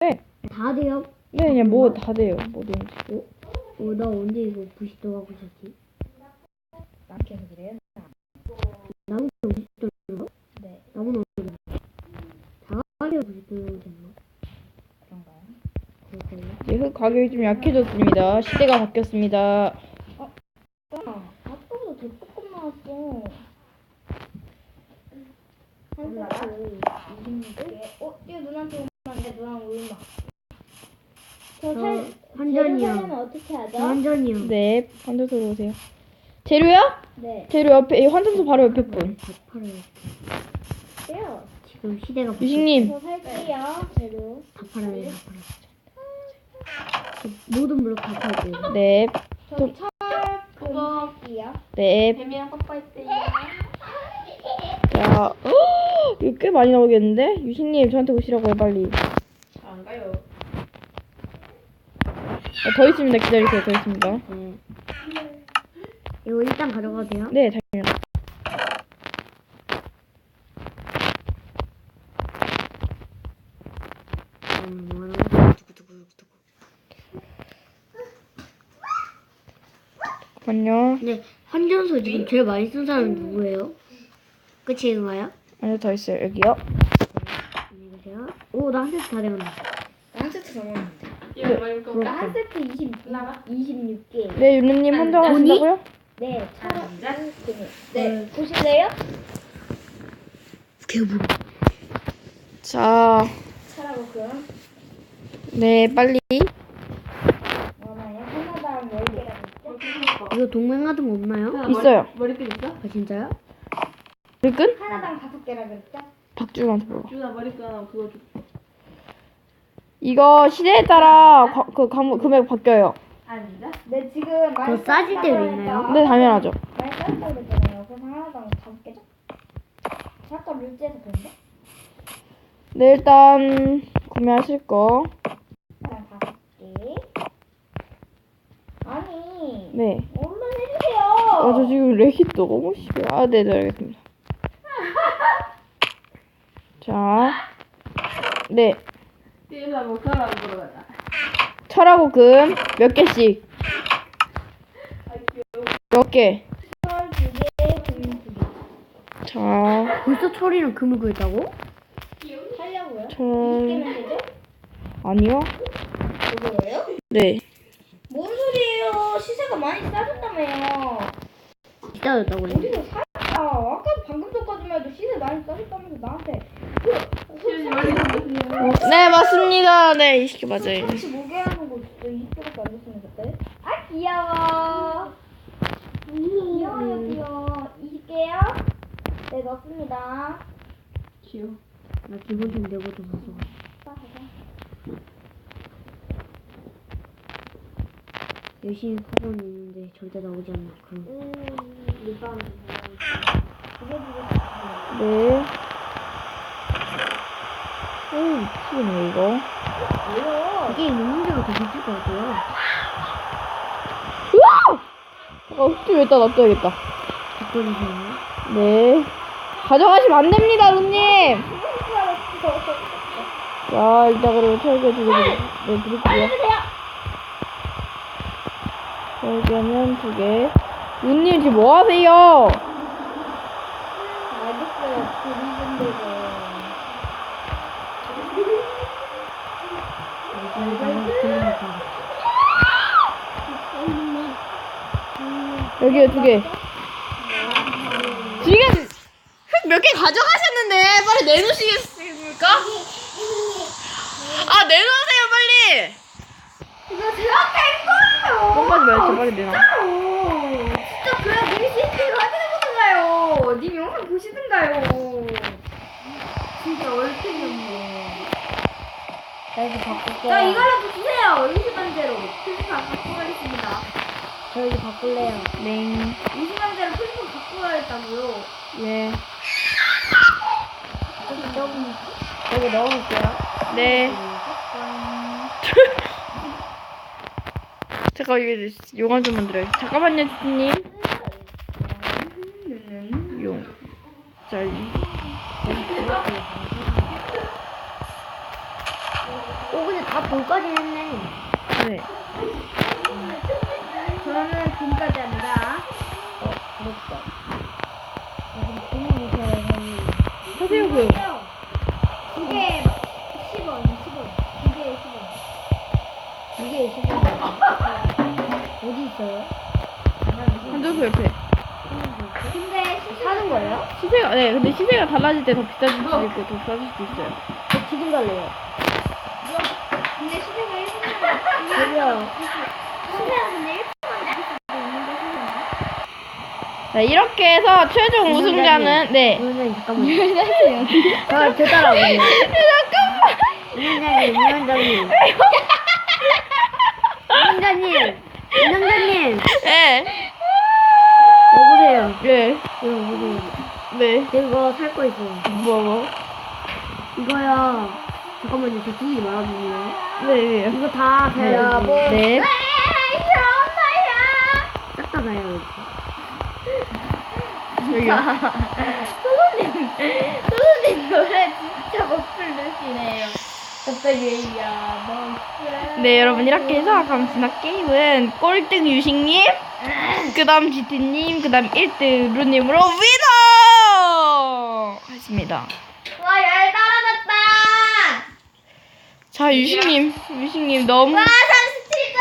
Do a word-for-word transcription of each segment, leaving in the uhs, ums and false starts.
다 돼요? 네, 그냥 뭐 다 돼요. 뭐든지. 어? 어, 나 언제 이거 부시도 하고 있었지? 난 계속 이래요. 나무 부시도 로 네. 나무는 어디 다 가게 부시도 됐나? 그런가요? 그럴걸요? 이제 흙 가격이 좀 약해졌습니다. 시대가 바뀌었습니다. 야, 아까보다 더 조금 나왔어. 한 세트 이십육 개. 어, 이거 누나한테 오면 안 돼. 누나 울마. 저 저 살, 환전이요. 재료 사려면 어떻게 하죠? 완전히요. 네, 환전소로 오세요. 재료요? 네. 재료 옆에, 이 환전소 바로 옆에 분. 다 팔아요. 돼요. 지금 시대가 바뀌- 유식님, 저 살게요. 재료. 다 팔아요. 다 팔아요. 저 모든 블록 다 팔게요. 네, 저 철, 금 살게요. 네. 뱀이랑 뽀뽀했대요. 자, 어, 이거 꽤 많이 나오겠는데? 유식님, 저한테 오시라고 해, 빨리. 안 가요. 어, 더 있습니다. 기다리세요. 더 있습니다. 네. 이거 일단 가져가도 돼요? 네, 당연히. 음, 뭐 하는 거야? 두구두구두구. 잠깐만요. 근데 환전소 지금 제일 많이 쓴 사람이 누구예요? 끝인가요? 아니요, 더 있어요. 여기요. 안녕히 계세요. 오, 나 한 세트 다 되었네. 한 세트 넘었는데. 부럽다. 나 한 세트 이십, 이십육 개. 네, 윤우님 환전하신다고요? 네, 차로. 네, 보실래요? 개불. 자, 차라고 그럼. 네, 빨리. 얼마요? 하나당 열 개라고 했죠? 이거 동맹 같은 거 없나요? 있어요. 머리끈 있어? 아, 진짜요? 머리끈? 하나당 다섯 개라 그랬죠? 박주한테 물어봐. 주나 머리끈 하나 그거 줘. 이거 시대에 따라 과, 그 감, 금액 바뀌어요. 아닌데? 네, 지금 많이 더 싸질 때도 쌌다고 있나요? 했죠? 네, 당연하죠. 많이 쌌다고 그랬잖아요. 그래서 하나당 다섯 개죠? 잠깐 룰지에서 그런데? 네, 일단 구매하실 거. 하나당 다섯 개. 아니, 네. 얼른 해주세요. 아, 저 지금 렉이 너무 심해. 아, 네, 네, 알겠습니다. 자, 네. 띠에서 뭐 사람 보러 가자. 철하고 금 몇 개씩? 몇 개? 철 두 개, 금 두 개. 자, 벌써 철이랑 금을 구했다고? 하려고요? 철. 이십 개면 되죠? 아니요. 그거예요? 네. 뭔 소리예요? 시세가 많이 싸졌다며요. 기다렸다고 그래. 어디서 사? 아, 아까 방금 전까지만 해도 시세 많이 싸졌다면서 나한테 그, 그 어, 네, 맞습니다. 네, 이십 개 맞아요. 삼십오 개 하는 거 진짜 이십 개밖에 안 됐으면 그때? 아, 귀여워. 귀여워요, 귀여워. 이십 개요? 네, 넣습니다. 귀여워. 나 기본 좀 내고 좀 가서. 열심히 파고 있는데 절대 나오지 않나. 그럼. 음, 일단 두개 네. 오, 미치겠네, 이거. 뭐요? 이게 있는 문제가 더 미칠 것 같아요. 으아! 아, 흙좀 여기다 놔둬야겠다. 바꿔주세요. 네. 가져가시면 안 됩니다, 루님. 자, 일단 그러면 철개 두 개, 네, 드릴게요. 철개는 두 개. 루님 지금 뭐 하세요? 알겠어요. 그리는 데고. 여기요, 두 개. 지금 흙 몇 개 가져가셨는데 빨리 내놓으시겠습니까? 아, 내놓으세요, 빨리. 이거 제가 뺀 거예요. 뻥하지 말고 빨리 내놔. 진짜로. 진짜 그냥 내 시스템을 확인해보든가요. 님 영상 보시든가요. 진짜 얼탱이 없네. 나 이거 바꿀게요. 자, 이거라도 주세요. 이십 만대로. 필수판 갖고 가겠습니다. 저 이거 바꿀래요. 네. 이십 만대로 필수판 갖고 가겠다고요. 예. 여기 넣으면, 여기 넣어볼게요. 네. 잠깐 이게 용암 좀 만들어요. 잠깐만요, 주님. 용. 자, 이. 오 근데 다 볼까지 했네. 네. 저는 금까지 합니다. 어 부럽다. 하세요, 그. 이게 십 원, 십 원. 이게 십 원. 이게 시즌 어디 있어요? 한전소 옆에. 근데 시세 사는 거예요? 시세가, 네, 근데 시세가 달라질 때 더 비싸질 수도 있고, 더 싸질 수도 있어요. 저 지금 갈래요. 근데 시세가 일 분만 저기요. 시세가 근데 일 분만 나올 수도 있는데 시세가. 네, 이렇게 해서 최종 우승자는, 네. 위원장님 잠깐만요. 저, 저 따라오세요. 잠깐만. 위원장님, 위원장님. 위원장님, 위원장님. 네. 여보세요. 네. 이거 보세요. 네. 이거 살 거 있어요. 뭐, 뭐. 이거요. 잠깐만요. 저 죽이지 말아주세요. 네, 네. 이거 다 사요. 네. 싹다 사요. 여기요. 소소님 노래 진짜 못 부르시네요. 갑자기 야 너. 네, 여러분, 이렇게 해서 감스나 게임은 꼴등 유식님, 그 다음 지티님, 그 다음 일 등 루님으로 위너! 했습니다. 와열 떨어졌다. 자, 유식님, 유식님 너무. 와 삼십칠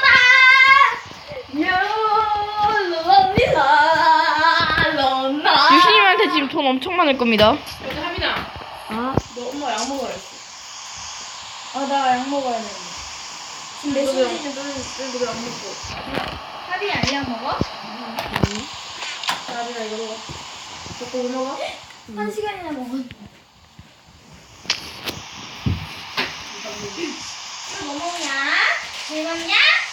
점 오도다. 롤러리사 롤러. 유식님한테 지금 돈 엄청 많을 겁니다. 근데 하민아, 아, 너 엄마 약 먹어야 지 아나 약 먹어야 돼. 지금 몇 너도 약- 시지? 너도 약 먹고. 하빈이 아니약 먹어? 자, 하민아 이거 먹어. 먹고 뭐 먹어? 한 시간이나 먹어. 뭐 먹냐? 즐겁냐?